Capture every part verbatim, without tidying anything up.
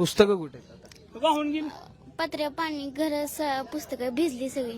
पुस्तकं कुठे आहेत आता? वाहून गेली. पत्र्या पाणी घर पुस्तकं भिजली सगळी.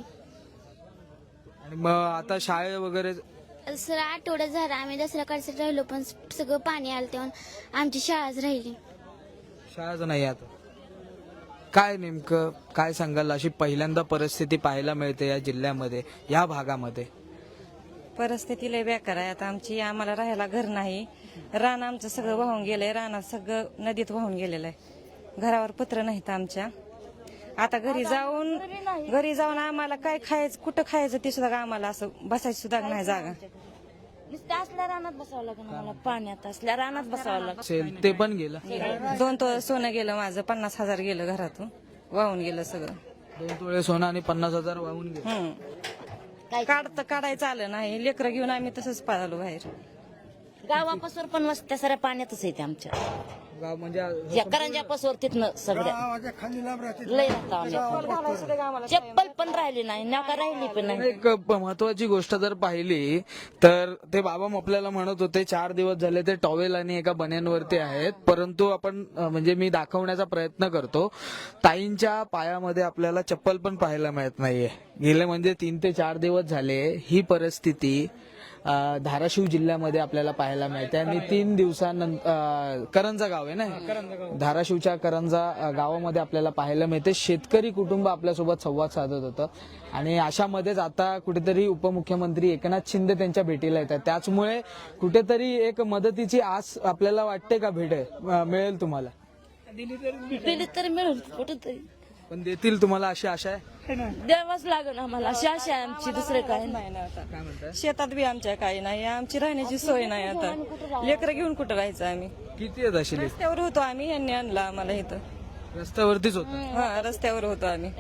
आणि मग आता शाळे वगैरे सर आठवडा झाला आम्ही दसरा काढसाठी राहिलो पण सगळं पाणी आलं तेव्हा आमची शाळाच राहिली. शाळाच नाही आता. काय नेमकं काय सांगाल, अशी पहिल्यांदा परिस्थिती पाहायला मिळते या जिल्ह्यामध्ये, या भागामध्ये? परिस्थिती लय बेकार आहे आता आमची. आम्हाला राहायला घर नाही. रान आमचं सगळं वाहून गेलंय. रानात सगळं नदीत वाहून गेलेलं आहे. घरावर पत्र नाहीत आमच्या. आता घरी जाऊन घरी जाऊन आम्हाला काय खायचं, कुठं खायचं ते सुद्धा आम्हाला असं बसायची सुद्धा नाही जागा. असल्या रानात बसावं लागेल आम्हाला. पाण्यात असल्या रानात बसावं लागेल. असेल ते पण गेलं. दोन तो सोनं गेलं माझं. पन्नास हजार गेलं घरातून. वाहून गेलं सगळं. दोन तोळे सोनं आणि पन्नास हजार वाहून गेले. हम्म काढतं काढायचं आलं नाही. लेकरं घेऊन आम्ही तसंच पळालो बाहेर. गावापासून पण वस्त्या साऱ्या पाण्यातच येते आमच्या. गाव म्हणजे या करंजापासून तिथनं सगळ्या लय राहता आम्ही. चप्पल पण राहिली नाही, नाका राहिली पण नाही. एक महत्वाची गोष्ट जर पाहिली तर ते बाबा आपल्याला म्हणत होते चार दिवस झाले ते टॉवेल आणि एका बन्यांवरती आहेत. परंतु आपण अं, म्हणजे मी दाखवण्याचा प्रयत्न करतो, ताईंच्या पायामध्ये आपल्याला चप्पल पण पाहायला मिळत नाहीये. गेले म्हणजे तीन ते चार दिवस झाले ही परिस्थिती अं, धाराशिव जिल्ह्यामध्ये आपल्याला पाहायला मिळते. आणि तीन दिवसानंतर करंजा गाव आहे ना, धाराशिवच्या करंजा अं, गावामध्ये आपल्याला पाहायला मिळते. शेतकरी कुटुंब आपल्यासोबत संवाद साधत होतं आणि अशामध्येच आता कुठेतरी उपमुख्यमंत्री एकनाथ शिंदे त्यांच्या भेटीला येतात. त्याचमुळे कुठेतरी एक मदतीची आस आपल्याला वाटते का भेटेल, अं, मिळेल तुम्हाला? दिली तर मिळून कुठेतरी पण देतील तुम्हाला अशी आशा आहे? द्यावाच लागेल आम्हाला. अशी आशा आहे आमची, दुसरे काय नाही. नाही ना आता. काय म्हणताय? शेतात बी आमच्या काही नाही. आमची राहण्याची सोय नाही आता. लेकरं घेऊन कुठं राहायचं आम्ही? किती आहेत अशी लिस्ट? रस्त्यावर होतो आम्ही. यांनी आणलं आम्हाला इथं. रस्त्यावरतीच होतं. हा रस्त्यावर होतो आम्ही.